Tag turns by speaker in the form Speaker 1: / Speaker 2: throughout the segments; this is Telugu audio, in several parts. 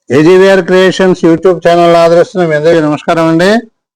Speaker 1: ఏజీవీఆర్ క్రియేషన్స్ యూట్యూబ్ ఛానల్ ఆదరిస్తున్న మీ అందరికీ నమస్కారం అండి.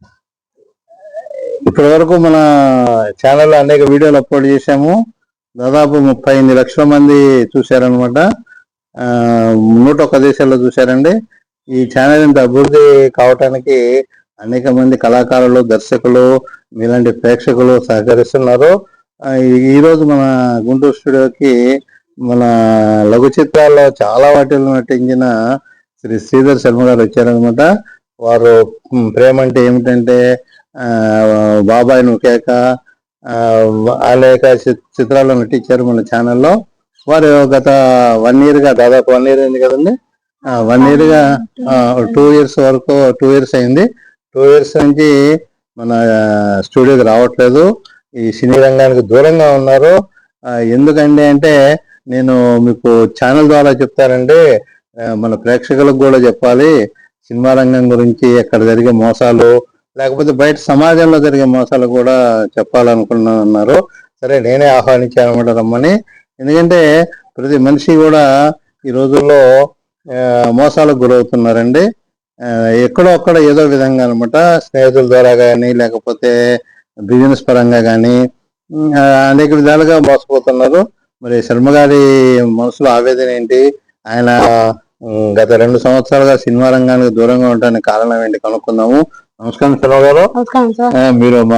Speaker 1: ఇప్పటి వరకు మన ఛానల్లో అనేక వీడియోలు అప్లోడ్ చేశాము. దాదాపు 38 లక్షల మంది చూశారనమాట. 101 దేశాల్లో చూశారండి. ఈ ఛానల్ ఇంత అభివృద్ధి కావటానికి అనేక మంది కళాకారులు, దర్శకులు, మీలాంటి ప్రేక్షకులు సహకరిస్తున్నారు. ఈరోజు మన గుంటూరు స్టూడియోకి మన లఘు చిత్రాల్లో చాలా వాటిల్లో నటించిన శ్రీ శ్రీధర్ శర్మ గారు వచ్చారనమాట. వారు ప్రేమ అంటే ఏమిటంటే బాబాయ్ నుకేక అనేక చిత్రాల్లో నటించారు మన ఛానల్లో. వారు గత 1 year గా, దాదాపు 1 year అయింది కదండి, 1 year గా 2 years వరకు 2 years అయింది. 2 years నుంచి మన స్టూడియోకి రావట్లేదు. ఈ సినీ రంగానికి దూరంగా ఉన్నారు. ఎందుకండి అంటే నేను మీకు ఛానల్ ద్వారా చెప్తానండి, మన ప్రేక్షకులకు కూడా చెప్పాలి. సినిమా రంగం గురించి, అక్కడ జరిగే మోసాలు, లేకపోతే బయట సమాజంలో జరిగే మోసాలు కూడా చెప్పాలనుకున్నారు. సరే, నేనే ఆహ్వానించాను అనమాట రమ్మని. ఎందుకంటే ప్రతి మనిషి కూడా ఈ రోజుల్లో మోసాలకు గురవుతున్నారండి. ఎక్కడో అక్కడ ఏదో విధంగా అనమాట, స్నేహితుల ద్వారా కానీ, లేకపోతే బిజినెస్ పరంగా కానీ అనేక విధాలుగా మోసపోతున్నారు. మరి శర్మ గారి మనసులో ఆవేదన ఏంటి, ఆయన గత 2 సంవత్సరాలుగా సినిమా రంగానికి దూరంగా ఉండడానికి కారణం ఏంటి కనుక్కుందాము. నమస్కారం శర్మ గారు. మీరు మా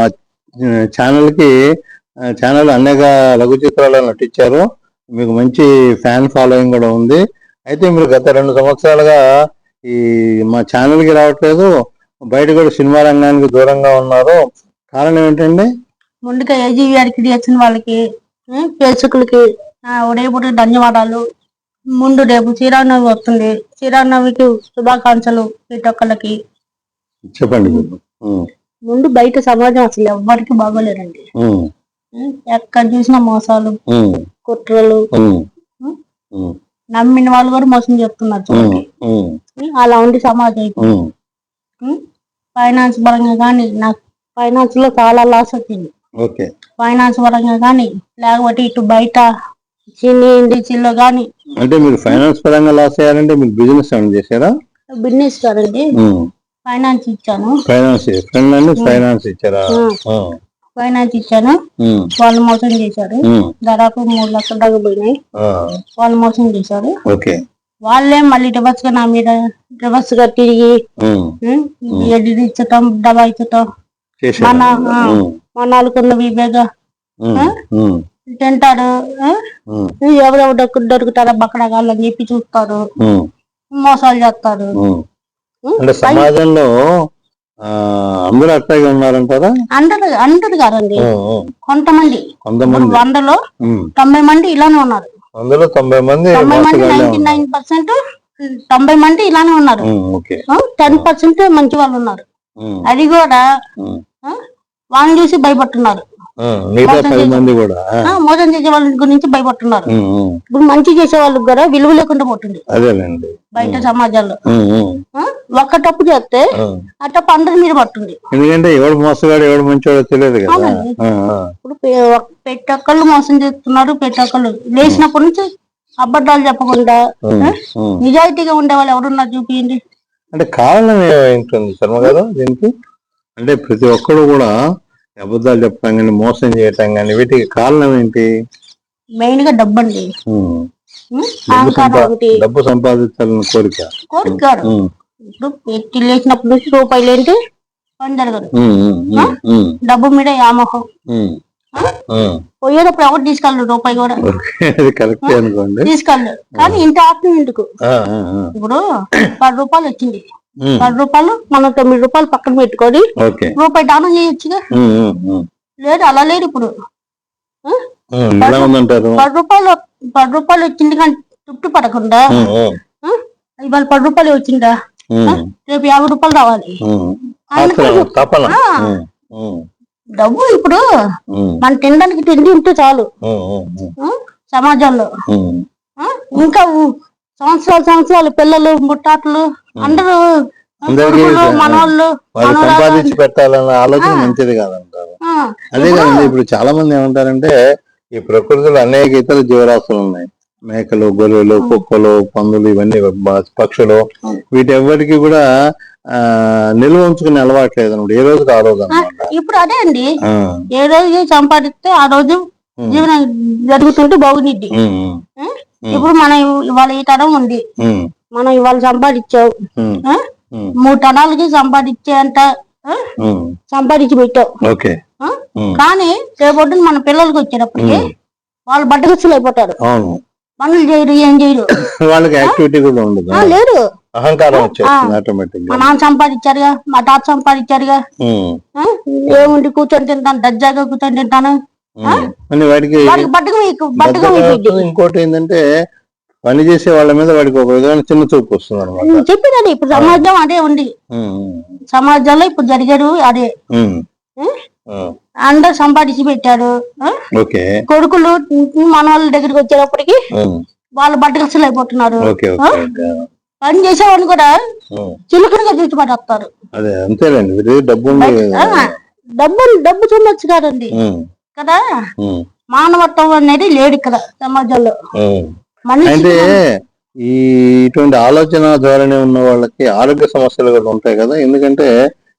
Speaker 1: ఛానల్ అనేక లఘు చిత్రాల్లో నటించారు. మీకు మంచి ఫ్యాన్ ఫాలోయింగ్ కూడా ఉంది. అయితే మీరు గత 2 సంవత్సరాలుగా ఈ మా ఛానల్కి రావట్లేదు, బయట కూడా సినిమా రంగానికి దూరంగా ఉన్నారు. కారణం ఏంటండి?
Speaker 2: ముందుగా ఏజీవీఆర్ క్రియేషన్ వాళ్ళకి, ప్రేక్షకులకి ఉదయపూట ధన్యవాదాలు. ముందు రేపు శ్రీరామనవమి వస్తుంది. శ్రీరామనవమికి శుభాకాంక్షలు ప్రతి ఒక్కళ్ళకి.
Speaker 1: చెప్పండి.
Speaker 2: ముందు బయట సమాజం అసలు ఎవ్వరికి బాగోలేరండి. ఎక్కడ చూసినా మోసాలు, కుట్రలు, నమ్మిన వాళ్ళు కూడా మోసం చేస్తున్నారు చూడండి. అలా ఉంది సమాజం. ఫైనాన్స్ పరంగా కానీ నాకు ఫైనాన్స్ లో చాలా లాస్ వచ్చింది. ఫైనాన్స్ పరంగా కానీ, లేకపోతే ఇటు బయట చిన్న ఇండస్ట్రీలో కానీ.
Speaker 1: అంటే మీరు ఫైనాన్స్ పరంగా లాస్ అయ్యారంటే మీరు బిజినెస్ ఏమైనా చేశారా?
Speaker 2: బిజినెస్ కాదండి, ఫైనాన్స్ ఇచ్చాను.
Speaker 1: ఫైనాన్స్ ఇచ్చారా?
Speaker 2: ఫైనాన్స్ ఇచ్చాను. వాళ్ళు మోసం చేశారు. దాదాపు 3 లక్షల దాకా పోయినాయి. వాళ్ళు మోసం చేశారు. వాళ్ళే మళ్ళీ రివర్స్ గా నా మీద రివర్స్ గా తిరిగి ఎడిట్ ఇచ్చటం, డబ్బా ఇచ్చటం, మన వాళ్ళకున్న వివేగా తింటారు. ఎవరెవరు దొరుకుతారో బక్కడగాళ్ళు అని చెప్పి చూస్తారు, మోసాలు చేస్తారు.
Speaker 1: అంటే సమాజంలో అందరూ అట్లాగే ఉన్నారంటారా?
Speaker 2: అందరు కాదండి, కొంతమంది 100లో 90 మంది ఇలానే ఉన్నారు.
Speaker 1: 90 మంది
Speaker 2: 99% 90 మంది ఇలానే ఉన్నారు. 10% మంచి వాళ్ళు ఉన్నారు. అది కూడా వాళ్ళని చూసి భయపడుతున్నారు. మోసం చేసే వాళ్ళ గురించి భయపడుతున్నారు. ఇప్పుడు మంచి చేసే వాళ్ళకి కూడా విలువ లేకుండా పోతుంది బయట సమాజంలో. ఒక్క తప్పు చేస్తే ఆ తప్పు అందరి మీద పడుతుంది.
Speaker 1: ఎందుకంటే ఎవడు మోసగాడు ఎవడు మంచివాడో తెలియదు కదా.
Speaker 2: ఇప్పుడు ప్రతి ఒక్కళ్ళు మోసం చేస్తున్నారు. ప్రతి ఒక్కళ్ళు లేచినప్పటి నుంచి అబద్ధాలు చెప్పకుండా నిజాయితీగా ఉండే వాళ్ళు ఎవరున్నారు చూపించండి.
Speaker 1: అంటే కారణం ఏంటుంది శర్మ గారు దీనికి? అంటే ప్రతి ఒక్కరు కూడా అబద్ధాలు చెప్పడం కానీ, మోసం చేయటం కానీ, వీటికి కారణం ఏంటి?
Speaker 2: మెయిన్ గా డబ్బు అండి.
Speaker 1: డబ్బు సంపాదించాలని కోరిక.
Speaker 2: ఇప్పుడు పెట్టి లేచినప్పటి నుంచి రూపాయలు ఏంటి పని జరగదు. డబ్బు మీద వ్యామోహం. పోయేటప్పుడు ఎవరు తీసుకెళ్ళరు, రూపాయి కూడా తీసుకెళ్ళరు. కానీ ఇంటి ఆత్మ ఎందుకు? ఇప్పుడు 10 రూపాయలు వచ్చింది, 10 రూపాయలు మనం 9 రూపాయలు పక్కన పెట్టుకొని రూపాయి దానం చేయొచ్చుగా. లేదు, అలా లేదు. ఇప్పుడు 10 రూపాయలు వచ్చింది కానీ తృప్తి పడకుండా ఇవాళ 10 రూపాయలు వచ్చిందా, రేపు 50 రూపాయలు రావాలి. డబ్బు ఇప్పుడు మన తినడానికి తిండి ఉంటే చాలు సమాజంలో. ఇంకా సంవత్సరాలు పిల్లలు, ముట్టాట్లు అందరూ మనోళ్ళు
Speaker 1: సంపాదించి పెట్టాలన్న ఆలోచన మంచిది కాదంటారు. అదే కదండి. ఇప్పుడు చాలా మంది ఏమంటారంటే ఈ ప్రకృతిలో అనేక ఇతర జీవరాశులు ఉన్నాయి, మేకలు, గొర్రెలు, కుక్కలు, పందులు, ఇవన్నీ పక్షులు, వీటెవ్వరికి కూడా నిల్వ ఉంచుకునే అలవాటు లేదన్నమాట. ఏ రోజుకి ఆ రోజు అన్నమాట.
Speaker 2: ఇప్పుడు అదే అండి, ఏ రోజు సంపాదిస్తే ఆ రోజు జీవనం జరుగుతుంటే బాగుంది. ఇప్పుడు మనం ఇవాళ ఈ తరం ఉంది, మనం ఇవాళ సంపాదించావు, 3 తరాలకి సంపాదించే అంత సంపాదించి పెట్టావు. కానీ రేపొద్దున మన పిల్లలకి వచ్చేటప్పటికి వాళ్ళు బట్టగస్తులు అయిపోతారు. పనులు చేయరు, ఏం చేయరు,
Speaker 1: వాళ్ళకి యాక్టివిటీ కూడా ఉండదు,
Speaker 2: లేదు,
Speaker 1: అహంకారం వచ్చేస్తుంది ఆటోమేటిక్.
Speaker 2: మా నాన్న సంపాదించారుగా, మా తాత సంపాదించారుగా, ఏముండి కూర్చొని తింటాను, దర్జాగా కూర్చొని తింటాను,
Speaker 1: వాడికి ఇంకోటి ఏంటంటే పని చేసే వాళ్ళ మీద వాడికి ఒక విధమైన చిన్న చూపు వస్తుంది అనమాట.
Speaker 2: చెప్పినది ఇప్పుడు సమాజం అదే ఉంది, సమాజంలో ఇప్పుడు జరిగారు అదే. అందరు సంపాదించి పెట్టారు, కొడుకులు మన వాళ్ళ దగ్గరికి వచ్చేటప్పటికి వాళ్ళు బట్టకస్తులు అయిపోతున్నారు. పని చేసేవాళ్ళు కూడా చిలుకలుగా చూసి పడేస్తారు. డబ్బు చూడొచ్చు కదండి కదా, మానవత్వం అనేది లేదు ఇక్కడ సమాజంలో.
Speaker 1: అంటే ఈ ఇటువంటి ఆలోచన ధోరణి ఉన్న వాళ్ళకి ఆరోగ్య సమస్యలు కూడా ఉంటాయి కదా. ఎందుకంటే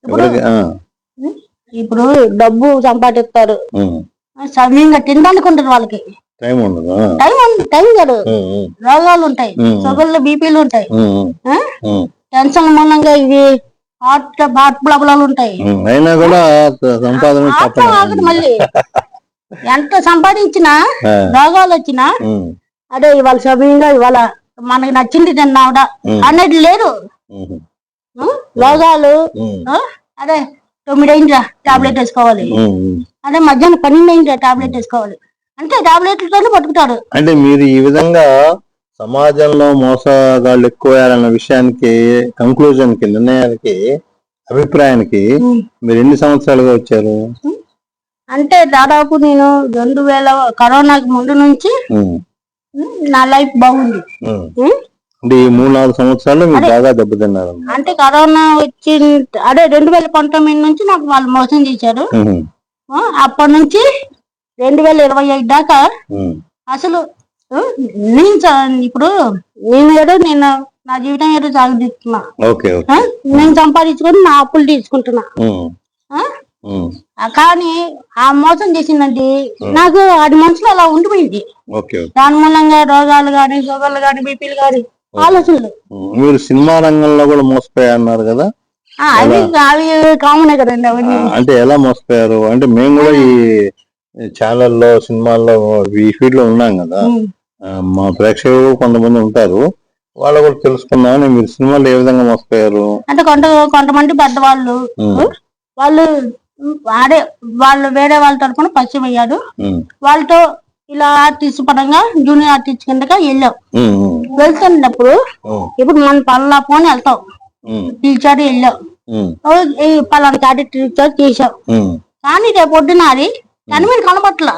Speaker 2: ఇప్పుడు డబ్బు సంపాదిస్తారు, సమయంగా తినడానికి ఉంటుంది, వాళ్ళకి
Speaker 1: టైం ఉండదు,
Speaker 2: టైం కాదు, రోగాలు ఉంటాయి, షుగర్లు, బీపీలు ఉంటాయి, టెన్షన్ మూలంగా ఇవి హార్ట్ ప్రాబ్లాలు ఉంటాయి.
Speaker 1: అయినా కూడా
Speaker 2: సంపాదన మళ్ళీ ఎంత సంపాదించినా రోగాలు వచ్చినా అదే ఇవాళ సమయంగా ఇవాళ మనకి నచ్చింది తిన్నావుడా అనేది లేదు. రోగాలు అదే 9 అయిందా టాబ్లెట్ వేసుకోవాలి, అదే మధ్యాహ్నం 12 అయిందా టాబ్లెట్ వేసుకోవాలి, అంటే టాబ్లెట్లతోనే పట్టుకుంటారు.
Speaker 1: అంటే మీరు ఈ విధంగా సమాజంలో మోసగాళ్ళు ఎక్కువయ్యారన్న విషయానికి, కంక్లూజన్ కి, నిర్ణయానికి, అభిప్రాయానికి మీరు ఎన్ని సంవత్సరాలుగా వచ్చారు?
Speaker 2: అంటే దాదాపు నేను 2000 కరోనాకి ముందు నుంచి నా లైఫ్ బాగుంది.
Speaker 1: అంటే ఈ 3-4 సంవత్సరాలు మీరు బాగా దెబ్బతిన్నారు.
Speaker 2: అంటే కరోనా వచ్చి అదే 2019 నుంచి నాకు వాళ్ళు మోసం చేశారు. అప్పటి నుంచి 2025 దాకా అసలు ఇప్పుడు నేను నా జీవితం ఏదో సాగుతున్నా, నేను సంపాదించుకొని నా అప్పులు తీసుకుంటున్నా. కానీ ఆ మోసం చేసిందండి నాకు అది మనసులో అలా ఉండిపోయింది. దాని మూలంగా రోగాలు గాని, షుగర్లు గాని, బీపీలు గాని, ఆలోచనలు.
Speaker 1: మీరు సినిమా రంగంలో కూడా మోసపోయారు కదా?
Speaker 2: అవి కామనే కదండి అవన్నీ.
Speaker 1: అంటే ఎలా మోసపోయారు? అంటే మేము కూడా ఈ ఛానల్లో, సినిమాల్లో, ఈ ఫీల్డ్ లో ఉన్నాం కదా, మా ప్రేక్షకులు కొంతమంది ఉంటారు, వాళ్ళు కూడా తెలుసుకున్నామని. మీరు సినిమాలో ఏ విధంగా మోసపోయారు?
Speaker 2: అంటే కొంతమంది పెద్దవాళ్ళు వాళ్ళు వేరే వాళ్ళ తరఫున పరిచయం అయ్యారు, వాళ్ళతో ఇలా ఆర్టిస్ట్ పరంగా జూనియర్ ఆర్టిస్ట్ కిందగా వెళ్ళాం. వెళ్తున్నప్పుడు ఇప్పుడు మన పనుల ఫోన్ వెళ్తాం, పిలిచారు, వెళ్ళాం, పలానా క్యారెక్టర్ ఇచ్చారు, చేసాం. కానీ రేపు పొద్దున అది మీరు కనబట్ల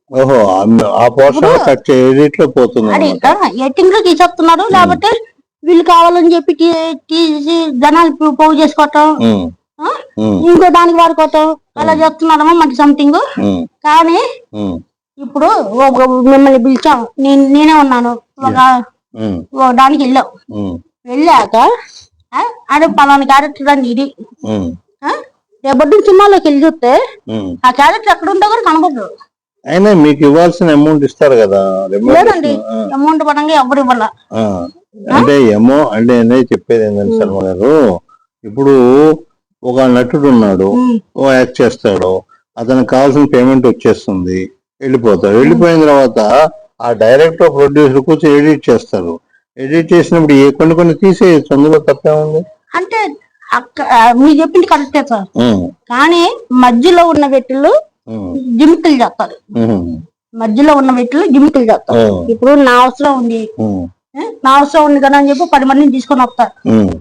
Speaker 2: ఎడిటింగ్ లో తీసేస్తున్నారు. లేకపోతే వీళ్ళు కావాలని చెప్పి తీసి జనాలు పోగు చేసుకోవటం, ఇంకో దానికి వాడుకోవటం, అలా చేస్తున్నారమ్మా మనకి సంథింగ్. కానీ ఇప్పుడు మిమ్మల్ని పిలిచాం, నేనే ఉన్నాను, ఒక దానికి వెళ్ళాం. వెళ్ళాక అదే పలానా క్యారెక్టర్ అని ఇది రేపటి సినిమాలోకి వెళ్ళి చూస్తే ఆ క్యారెక్టర్ ఎక్కడ ఉందో కూడా కనబడదు.
Speaker 1: అయినా మీకు ఇవ్వాల్సిన అమౌంట్ ఇస్తారు కదా?
Speaker 2: లేదండి, అమౌంట్ పరంగా ఎవరు ఇవ్వాల.
Speaker 1: అంటే అంటే చెప్పేది ఏంటంటే శర్మ గారు, ఇప్పుడు ఒక నటుడు ఉన్నాడు, ఓ యాక్ట్ చేస్తాడు, అతనికి కావాల్సిన పేమెంట్ వచ్చేస్తుంది, వెళ్ళిపోతాడు. వెళ్ళిపోయిన తర్వాత ఆ డైరెక్టర్, ప్రొడ్యూసర్ కూర్చొని ఎడిట్ చేస్తారు. ఎడిట్ చేసినప్పుడు కొన్ని తీసేయచ్చు, అందులో తప్పే ఉంది.
Speaker 2: అంటే మీరు చెప్పింది కరెక్టే సార్, కానీ మధ్యలో ఉన్న వ్యక్తులు జిమికలు చేస్తారు. మధ్యలో ఉన్న వ్యక్తులు జిమికలు చేస్తారు. ఇప్పుడు నా అవసరం ఉంది కదా అని చెప్పి 10 మందిని తీసుకొని వస్తారు.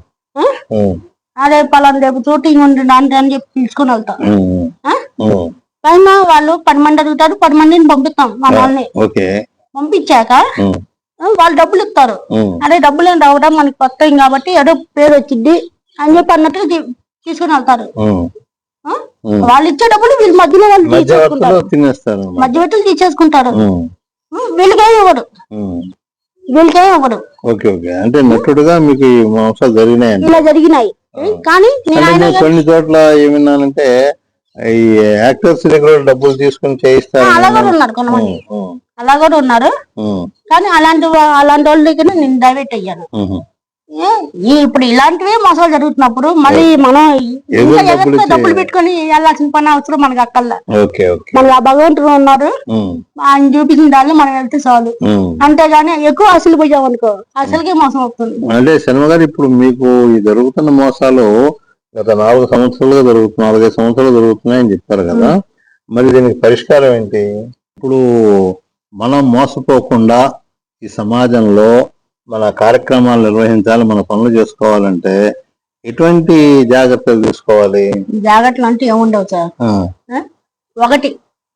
Speaker 2: అదే పలానా రేపు షూటింగ్ ఉంది అని చెప్పి తీసుకొని వెళ్తారు. పైన వాళ్ళు 10 మంది అడుగుతారు, 10 మందిని పంపిస్తాం. మా వాళ్ళని పంపించాక వాళ్ళు డబ్బులు ఇస్తారు. అదే డబ్బులు ఏం రావడం మనకి కొత్త కాబట్టి ఏదో పేరు వచ్చింది అని చెప్పి అన్నట్టుగా తీసుకుని వెళ్తారు. వాళ్ళు ఇచ్చే డబ్బులు వీళ్ళు మధ్యలో వాళ్ళు మధ్యవర్తులు తీసేసుకుంటారు. వీళ్ళకేం ఇవ్వడు. వీళ్ళకే ఇవ్వడు.
Speaker 1: ఓకే ఓకే, అంటే నటుడుగా మీకు ఈ మోసాలు జరిగినాయి.
Speaker 2: ఇలా జరిగినాయి. కానీ నేను
Speaker 1: కొన్ని చోట్ల ఏమన్నానంటే ఈ యాక్టర్స్ దగ్గర డబ్బులు తీసుకుని చేయిస్తారు.
Speaker 2: అలా కూడా ఉన్నారు కొంతమంది, అలా కూడా ఉన్నారు. కానీ అలాంటి వాళ్ళ దగ్గర నేను డైవర్ట్ అయ్యాను. ఇప్పుడు ఇలాంటివే మోసాలు జరుగుతున్నప్పుడు మళ్ళీ మనం డబ్బులు పెట్టుకుని వెళ్ళాల్సిన పని అవసరం మనకి అక్కర్లా. మనకి ఆ భగవంతుడు ఉన్నారు, ఆయన చూపించిన దాన్ని మనం వెళ్తే చాలు. అంతేగాని ఎక్కువ అసలు పోయాం అనుకో అసలుకే మోసం అవుతుంది.
Speaker 1: అంటే శర్మ గారు, ఇప్పుడు మీకు ఈ జరుగుతున్న మోసాలు గత 4 సంవత్సరాలుగా జరుగుతున్నాయి, 4-5 సంవత్సరాలు జరుగుతున్నాయని చెప్పారు కదా, మరి దీనికి పరిష్కారం ఏంటి? ఇప్పుడు మనం మోసపోకుండా ఈ సమాజంలో మన కార్యక్రమాలు నిర్వహించాలి, మన పనులు చేసుకోవాలంటే ఎటువంటి జాగ్రత్తలు తీసుకోవాలి?
Speaker 2: జాగ్రత్తలు అంటే ఏముండవు సార్. ఒకటి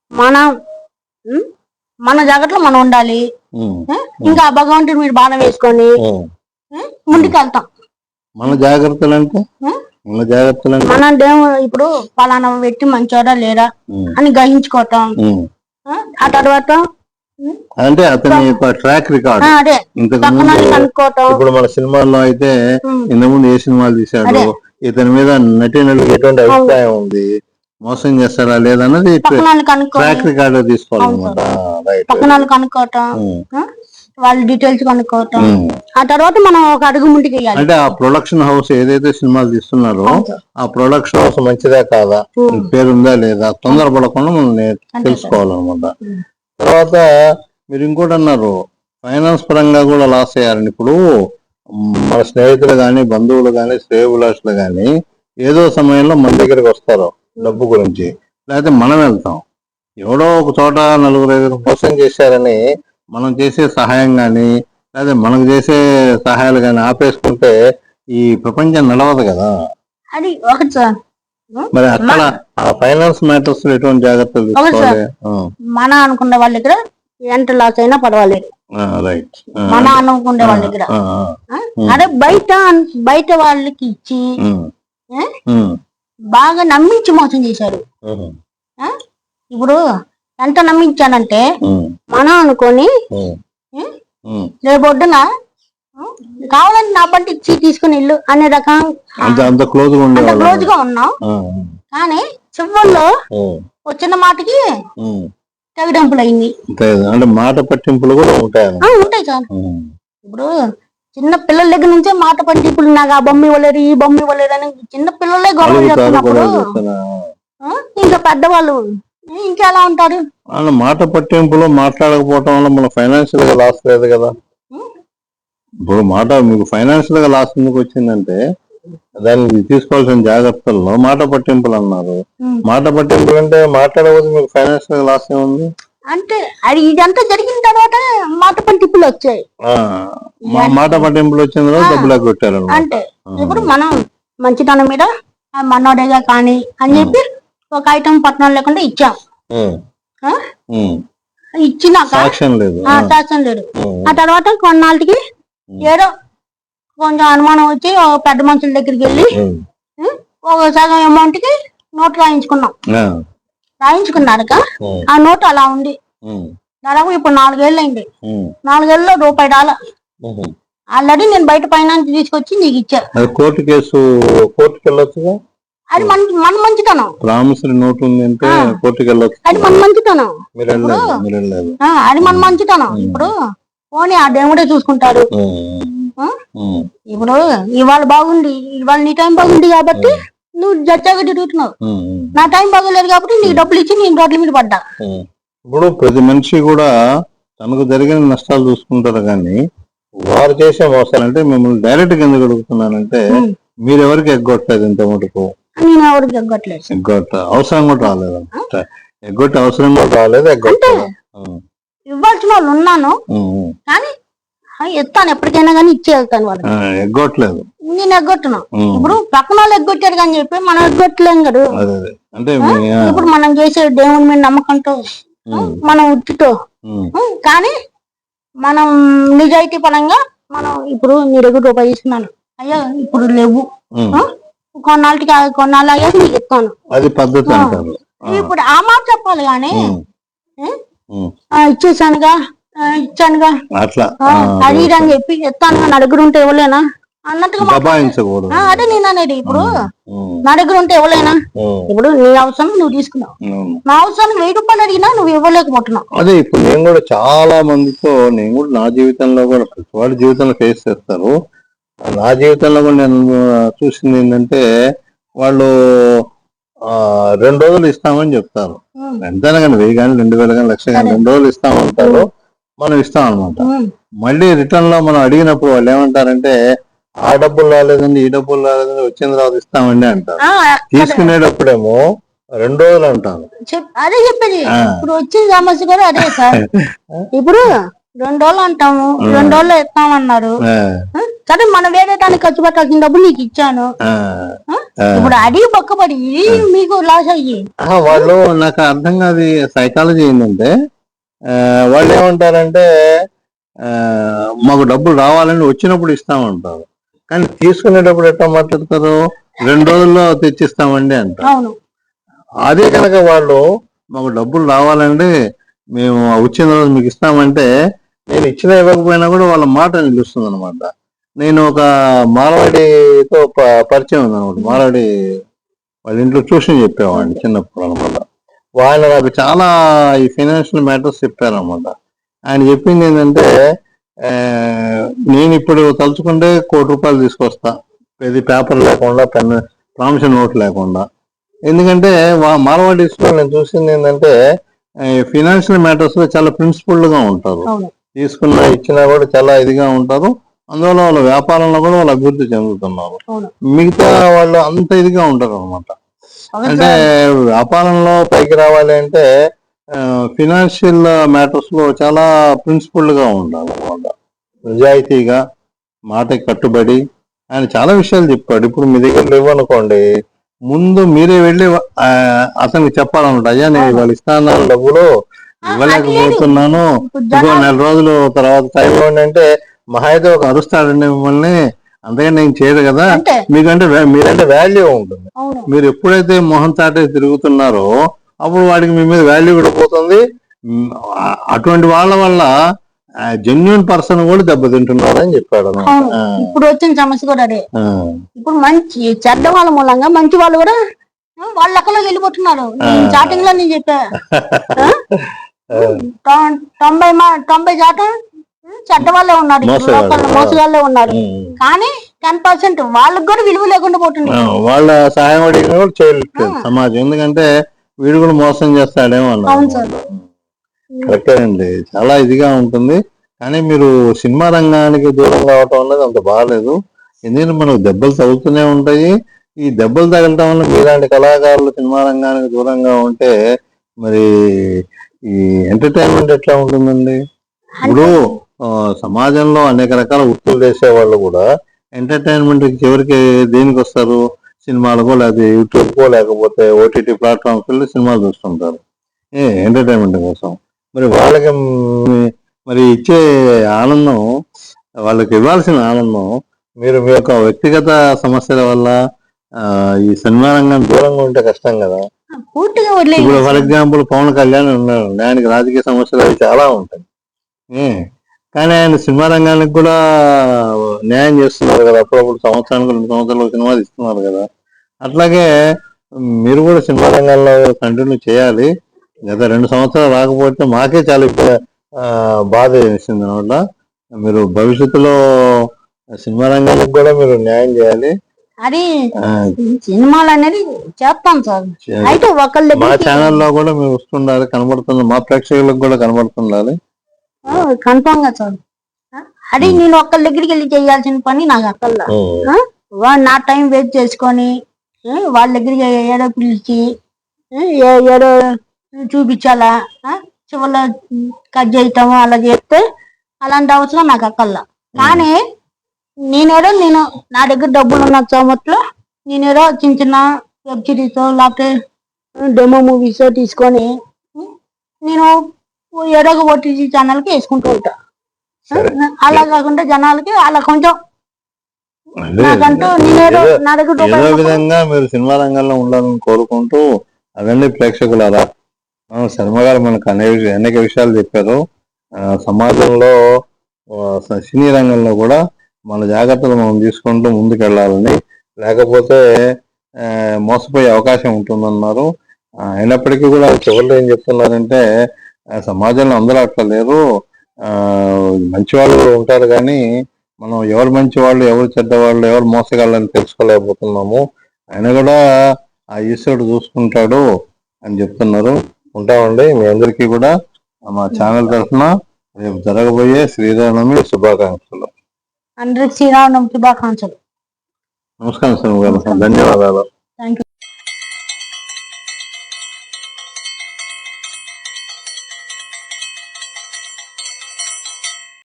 Speaker 2: మన జాగ్రత్తలో మనం ఉండాలి. ఇంకా భగవంతుడు మీరు బాణం వేసుకొని ముందుకు వెళ్తాం.
Speaker 1: మన జాగ్రత్తలు అంటే
Speaker 2: మన ఇప్పుడు పలానా వ్యక్తి మంచోడా లేరా అని గ్రహించుకోవటం. ఆ తర్వాత
Speaker 1: అంటే అతని ట్రాక్ రికార్డ్ ఇప్పుడు మన సినిమాల్లో అయితే ఇంతకుముందు ఏ సినిమాలు తీశాడు, ఇతని మీద నటీనటులకు ఎటువంటి అభిప్రాయం ఉంది, మోసం చేస్తారా లేదన్నది ట్రాక్ రికార్డ్ తీసుకోవాలన్నమాట.
Speaker 2: పక్కన కనుక్కోవటం, వాళ్ళ డీటెయిల్స్ కనుక్కోవటం. ఆ తర్వాత మనం ఒక అడుగు ముందుకు వేయాలి.
Speaker 1: అంటే ఆ ప్రొడక్షన్ హౌస్ ఏదైతే సినిమాలు తీస్తున్నారో ఆ ప్రొడక్షన్ హౌస్ మంచిదా కాదా, పేరుందా లేదా, తొందరపడకుండా మనం తెలుసుకోవాలన్నమాట. తర్వాత మీరు ఇంకోటి అన్నారు, ఫైనాన్స్ పరంగా కూడా లాస్ అయ్యారని. ఇప్పుడు మన స్నేహితులు కానీ, బంధువులు కానీ, శ్రేయోభిలాషులు కానీ ఏదో సమయంలో మన దగ్గరికి వస్తారు డబ్బు గురించి, లేకపోతే మనం వెళ్తాం. ఎవడో ఒక చోట 4-5 మోసం చేశారని మనం చేసే సహాయం కానీ, లేదా మనకు చేసే సహాయాలు కానీ ఆపేసుకుంటే ఈ ప్రపంచం నడవదు కదా.
Speaker 2: అది ఒకటి సార్.
Speaker 1: మరి అక్కడ ఫైనాన్స్ మ్యాటర్స్ ఎటువంటి జాగ్రత్తలు తీసుకోవాలి?
Speaker 2: మన అనుకునే వాళ్ళ దగ్గర ఎంత లాస్ అయినా పర్వాలేదు, మన అనుకునే వాళ్ళ దగ్గర. అదే బయట వాళ్ళకి ఇచ్చి బాగా నమ్మించి మోసం చేశారు. ఇప్పుడు ఎంత నమ్మించానంటే మనం అనుకొని రేపొద్దున కావాలని నా పంట ఇచ్చి తీసుకుని ఇల్లు అనే రకం
Speaker 1: అంత క్లోజ్
Speaker 2: గా ఉన్నాం. కానీ చివరిలో వచ్చిన మాటకి తెగడంపులు అయింది.
Speaker 1: అంటే మాట పట్టింపులు కూడా
Speaker 2: ఉంటాయి సార్. ఇప్పుడు చిన్న పిల్లల దగ్గర నుంచే మాట పట్టింపులు, నాకు ఆ బొమ్మ ఇవ్వలేరు, ఈ బొమ్మ ఇవ్వలేరు అని చిన్న పిల్లలే గొడవ చేస్తున్నప్పుడు ఇంకా పెద్దవాళ్ళు ఇంకెలా ఉంటారు?
Speaker 1: మాట పట్టింపులు మాట్లాడకపోవటం వల్ల మన ఫైనాన్షియల్ గా లాస్ లేదు కదా. ఇప్పుడు మీకు ఫైనాన్షియల్ గా లాస్ ఎందుకు వచ్చిందంటే దానికి తీసుకోవాల్సిన జాగ్రత్తల్లో మాట పట్టింపులు అన్నారు. మాట పట్టింపులు అంటే మాట్లాడకపోతే మీకు ఫైనాన్షియల్ గా లాస్ ఏముంది?
Speaker 2: అంటే అది ఇదంతా జరిగిన తర్వాత మాట పట్టింపులు వచ్చాయి.
Speaker 1: మాట పట్టింపులు వచ్చిన తర్వాత డబ్బులు కొట్టారు.
Speaker 2: అంటే ఇప్పుడు మనం మంచితనం మీద మనోడేగా కానీ అని చెప్పి ఒక ఐటమ్ పట్టణం లేకుండా ఇచ్చాం. ఇచ్చినాక సాక్ష్యం లేదు. ఆ తర్వాత కొన్నాళ్ళకి ఏదో కొంచెం అనుమానం వచ్చి పెద్ద మనుషుల దగ్గరికి వెళ్ళి ఒక సగం అమౌంట్ కి నోట్ రాయించుకున్నాక ఆ నోట్ అలా ఉంది. దాదాపు ఇప్పుడు 4 ఏళ్ళు అయింది. 4 ఏళ్ళలో $1 ఆల్రెడీ నేను బయట ఫైనాన్స్ తీసుకొచ్చి నీకు ఇచ్చా.
Speaker 1: కోర్టుకి వెళ్ళొచ్చుగా.
Speaker 2: అది మన మంచితనం.
Speaker 1: ప్రామిసరీ నోట్ ఉంది అంటే కోర్టుకి వెళ్ళొచ్చు.
Speaker 2: అది మన మంచితనం. అది మన మంచితనం. ఇప్పుడు పోనీ ఆ దేవుడే చూసుకుంటాడు. ఇప్పుడు ఇవాళ బాగుంది, ఇవాళ నీ టైం బాగుంది కాబట్టి నువ్వు జడ్జాగా తిరుగుతున్నావు. నా టైం బాగోలేదు కాబట్టి నీకు డబ్బులు ఇచ్చి నేను రోడ్ల మీద పడ్డా.
Speaker 1: ఇప్పుడు ప్రతి మనిషి కూడా తనకు జరిగిన నష్టాలు చూసుకుంటారు, కానీ వారు చేసే మోసాలు అంటే మిమ్మల్ని డైరెక్ట్ గా ఎందుకు అడుగుతున్నానంటే మీరు ఎవరికి ఎగ్గొట్టలేదు ఇంత మటుకు.
Speaker 2: నేను ఎవరికి ఎగ్గొట్టలేదు.
Speaker 1: అవసరం కూడా రాలేదు. ఎగ్గొట్టే అవసరం కూడా రాలేదు.
Speaker 2: ఇవ్వాల్సిన వాళ్ళు ఉన్నాను కానీ ఎత్తాను, ఎప్పటికైనా కానీ ఇచ్చి వెళ్తాను వాళ్ళకి.
Speaker 1: ఎగ్గొట్టలేదు,
Speaker 2: నేను ఎగ్గొట్టును. ఇప్పుడు పక్కన వాళ్ళు ఎగ్గొట్టారు కానీ చెప్పి మనం ఎగ్గొట్టలేం కదా. ఇప్పుడు మనం చేసే దేవుని మీద నమ్మకంతో మనం ఉట్టితో కానీ మనం నిజాయితీ పరంగా మనం ఇప్పుడు నీ దగ్గర రూపాయి ఇస్తున్నాను, అయ్యా ఇప్పుడు లేవు, కొన్నాళ్ళు అయ్యాక నీకు ఇస్తాను.
Speaker 1: అది పద్ధతి.
Speaker 2: ఇప్పుడు ఆ మాట చెప్పాలి కానీ ఇచ్చేసానుగా ఇచ్చానుగా
Speaker 1: అట్లా
Speaker 2: అది ఇది అని చెప్పి చెప్తాను, నా దగ్గర ఉంటే ఇవ్వలేనా అన్నట్టుగా
Speaker 1: దబాయించకూడదు.
Speaker 2: అదే నేను అనేది. ఇప్పుడు నా దగ్గర ఉంటే ఇవ్వలేనా, ఇప్పుడు నీ అవసరం నువ్వు తీసుకున్నావు, నా అవసరానికి 1000 రూపాయలు అడిగినా నువ్వు ఇవ్వలేకపోతున్నావు.
Speaker 1: అదే ఇప్పుడు నేను కూడా చాలా మందితో, నేను కూడా నా జీవితంలో కూడా ప్రతి వాడి జీవితంలో ఫేస్ చేస్తారు. నా జీవితంలో కూడా నేను చూసింది ఏంటంటే, వాళ్ళు 2 రోజులు ఇస్తామని చెప్తారు. ఎంతైనా కానీ 1000 కానీ 2000 కానీ 1,00,000 కానీ 2 రోజులు ఇస్తామంటారు, మనం ఇస్తాం అనమాట. మళ్ళీ రిటర్న్ లో మనం అడిగినప్పుడు వాళ్ళు ఏమంటారంటే, ఆ డబ్బులు రాలేదండి, ఈ డబ్బులు రాలేదండి, వచ్చిన తర్వాత ఇస్తామండి అంటారు. తీసుకునేటప్పుడేమో 2 రోజులు అంటారు.
Speaker 2: అదే చెప్పేది. ఇప్పుడు వచ్చిన సమస్య కూడా అదే సార్. ఇప్పుడు 2 రోజులు అంటాము, 2 రోజులు ఇస్తామన్నారు. సరే మనం వేరే దానికి ఖర్చు పెట్టాల్సిన డబ్బులు నీకు ఇచ్చాను, ఇప్పుడు అడిగి పక్కపడి మీకు లాస్ అయ్యి.
Speaker 1: వాళ్ళు నాకు అర్థం కాదు సైకాలజీ ఏంటంటే, వాళ్ళు ఏమంటారంటే మాకు డబ్బులు రావాలని వచ్చినప్పుడు ఇస్తామంటారు, కానీ తీసుకునేటప్పుడు ఎట్లా మాట్లాడతారు, 2 రోజుల్లో తెచ్చిస్తామండి అంటారు. అదే కనుక వాళ్ళు మాకు డబ్బులు రావాలండి, మేము వచ్చిన రోజు మీకు ఇస్తామంటే, నేను ఇచ్చినా ఇవ్వకపోయినా కూడా వాళ్ళ మాట నిలుస్తుంది అనమాట. నేను ఒక మారవాడితో పరిచయం ఉంది అనమాట. మారవాడి వాళ్ళ ఇంట్లో ట్యూషన్ చెప్పేవాడిని చిన్నప్పుడు అనమాట. వాళ్ళు నాకు చాలా ఈ ఫైనాన్షియల్ మ్యాటర్స్ చెప్పారనమాట. ఆయన చెప్పింది ఏంటంటే, నేను ఇప్పుడు తలుచుకుంటే ₹1,00,00,000 తీసుకొస్తా, ఇది పేపర్ లేకుండా, పెన్ ప్రామిషన్ నోట్ లేకుండా. ఎందుకంటే మారవాడీస్లో నేను చూసింది ఏంటంటే, ఫైనాన్షియల్ మ్యాటర్స్ లో చాలా ప్రిన్సిపల్డ్ గా ఉంటారు. తీసుకున్నా ఇచ్చినా కూడా చాలా ఇదిగా ఉంటారు. అందువల్ల వాళ్ళ వ్యాపారంలో కూడా వాళ్ళు అభివృద్ధి చెందుతున్నారు. మిగతా వాళ్ళు అంత ఇదిగా ఉంటారు అనమాట. అంటే వ్యాపారంలో పైకి రావాలి అంటే ఫినాన్షియల్ మ్యాటర్స్ లో చాలా ప్రిన్సిపల్డ్ గా ఉండాలి అనమాట. నిజాయితీగా, మాటకి కట్టుబడి ఆయన చాలా విషయాలు చెప్పాడు. ఇప్పుడు మీ దగ్గర లేవనుకోండి, ముందు మీరే వెళ్ళి అతనికి చెప్పాలన్నమాట, అయ్యా నేను వాళ్ళు ఇస్తాను డబ్బులు ఇవ్వలేకపోతున్నాను, ఇంకో 4 రోజులు తర్వాత టైం ఇవ్వండి అంటే, మహా అయితే ఒక అరుస్తాడండి మిమ్మల్ని, అంతేగాని నేను చేయదు కదా. మీకంటే మీరంటే వాల్యూ ఉంటుంది. మీరు ఎప్పుడైతే మొహం చాటే తిరుగుతున్నారో అప్పుడు వాడికి మీ మీద వాల్యూ కూడా పోతుంది. అటువంటి వాళ్ళ వల్ల జెన్యున్ పర్సన్ కూడా దెబ్బతింటున్నారు అని చెప్పాడు.
Speaker 2: ఇప్పుడు వచ్చిన సమస్య కూడా అదే. ఇప్పుడు మంచి చెడ్డ వాళ్ళ మూలంగా మంచి వాళ్ళు కూడా వాళ్ళ లెక్కలో వెళ్ళిపోతున్నారు. స్టార్టింగ్ లో నేను చెప్పా 90% చెడ్డ వాళ్ళే ఉన్నారు, మోసగాళ్ళే ఉన్నారు. కానీ 10% వాళ్ళకి కూడా విలువ లేకుండా పోతుంది.
Speaker 1: వాళ్ళ సహాయం అడిగిన కూడా చేయలేదు సమాజం, ఎందుకంటే వీడు కూడా మోసం చేస్తాడేమో అన్నారు. కరెక్టే అండి, చాలా ఇదిగా ఉంటుంది. కానీ మీరు సినిమా రంగానికి దూరం కావటం అనేది అంత బాగాలేదు. ఎందుకంటే మనకు దెబ్బలు తగులుతూనే ఉంటాయి. ఈ దెబ్బలు తగలటం వల్ల మీలాంటి కళాకారులు సినిమా రంగానికి దూరంగా ఉంటే మరి ఈ ఎంటర్టైన్మెంట్ ఎట్లా ఉంటుందండి? ఇప్పుడు సమాజంలో అనేక రకాల వృత్తులు చేసే వాళ్ళు కూడా ఎంటర్టైన్మెంట్ చివరికి దేనికి వస్తారు? సినిమాలకో, లేకపోతే యూట్యూబ్కో, లేకపోతే ఓటీటీ ప్లాట్ఫామ్స్ వెళ్ళి సినిమాలు చూస్తుంటారు ఎంటర్టైన్మెంట్ కోసం. మరి వాళ్ళకి మరి ఇచ్చే ఆనందం, వాళ్ళకి ఇవ్వాల్సిన ఆనందం మీరు మీ యొక్క వ్యక్తిగత సమస్యల వల్ల ఈ సినిమా రంగాన్ని దూరంగా ఉంటే కష్టం కదా. ఇప్పుడు ఫర్ ఎగ్జాంపుల్ పవన్ కళ్యాణ్ ఉన్నారు, ఆయనకి రాజకీయ సమస్యలు అవి చాలా ఉంటాయి, కానీ ఆయన సినిమా రంగానికి కూడా న్యాయం చేస్తున్నారు కదా. అప్పుడప్పుడు సంవత్సరానికి 2 సంవత్సరాలు సినిమా ఇస్తున్నారు కదా. అట్లాగే మీరు కూడా సినిమా రంగంలో కంటిన్యూ చేయాలి. గత 2 సంవత్సరాలు రాకపోతే మాకే చాలా బాధ వేసింది అనమాట. మీరు భవిష్యత్తులో సినిమా రంగానికి కూడా మీరు న్యాయం చేయాలి.
Speaker 2: అది సినిమాలు అనేది చేస్తాం సార్. అయితే
Speaker 1: మా ఛానల్లో కూడా మీరు వస్తుండాలి, కనబడుతుంది, మా ప్రేక్షకులకు కూడా కనబడుతుండాలి.
Speaker 2: కన్ఫామ్ గా సార్. అది నేను ఒక్కళ్ళ దగ్గరికి వెళ్ళి చేయాల్సిన పని నాకు అక్కర్లా. నా టైం వేస్ట్ చేసుకొని వాళ్ళ దగ్గరికి ఏడో పిలిచి ఏడో చూపించాలా, చివరిలో కట్ చేయటము అలా చేస్తే అలాంటి అవసరం నాకు అక్కర్లా. కానీ నేను నా దగ్గర డబ్బులు ఉన్న సమయంలో నేనేదో చిన్న చిన్న వెబ్ సిరీస్ లేకపోతే డెమో మూవీస్ తీసుకొని నేను ఏదో ఒక ఓటీటీ ఛానల్కి వేసుకుంటూ ఉంటా. అలా కాకుండా జనాలకి అలా కొంచెం
Speaker 1: ఏదో విధంగా మీరు సినిమా రంగంలో ఉండాలని కోరుకుంటూ, అవన్నీ ప్రేక్షకులారా, శర్మ గారు మనకు అనేక విషయాలు చెప్పారు. సమాజంలో సినీ రంగంలో కూడా మన జాగ్రత్తలు మనం తీసుకుంటూ ముందుకెళ్ళాలని, లేకపోతే మోసపోయే అవకాశం ఉంటుందన్నారు. అయినప్పటికీ కూడా చివరిలో ఏం చెప్తున్నారంటే సమాజంలో అందరూ అట్లా లేరు, మంచి వాళ్ళు ఉంటారు కానీ మనం ఎవరు మంచి వాళ్ళు, ఎవరు చెడ్డవాళ్ళు, ఎవరు మోసగాళ్ళని తెలుసుకోలేకపోతున్నాము. ఆయన కూడా ఆ ఈశ్వరుడు చూసుకుంటాడు అని చెప్తున్నారు. ఉంటామండి. మీ అందరికీ కూడా మా ఛానల్ తరఫున రేపు జరగబోయే శ్రీరామనవమి శుభాకాంక్షలు.
Speaker 2: అందరికి శ్రీరామనవమి శుభాకాంక్షలు.
Speaker 1: నమస్కారం సార్, ధన్యవాదాలు.
Speaker 2: Thank you.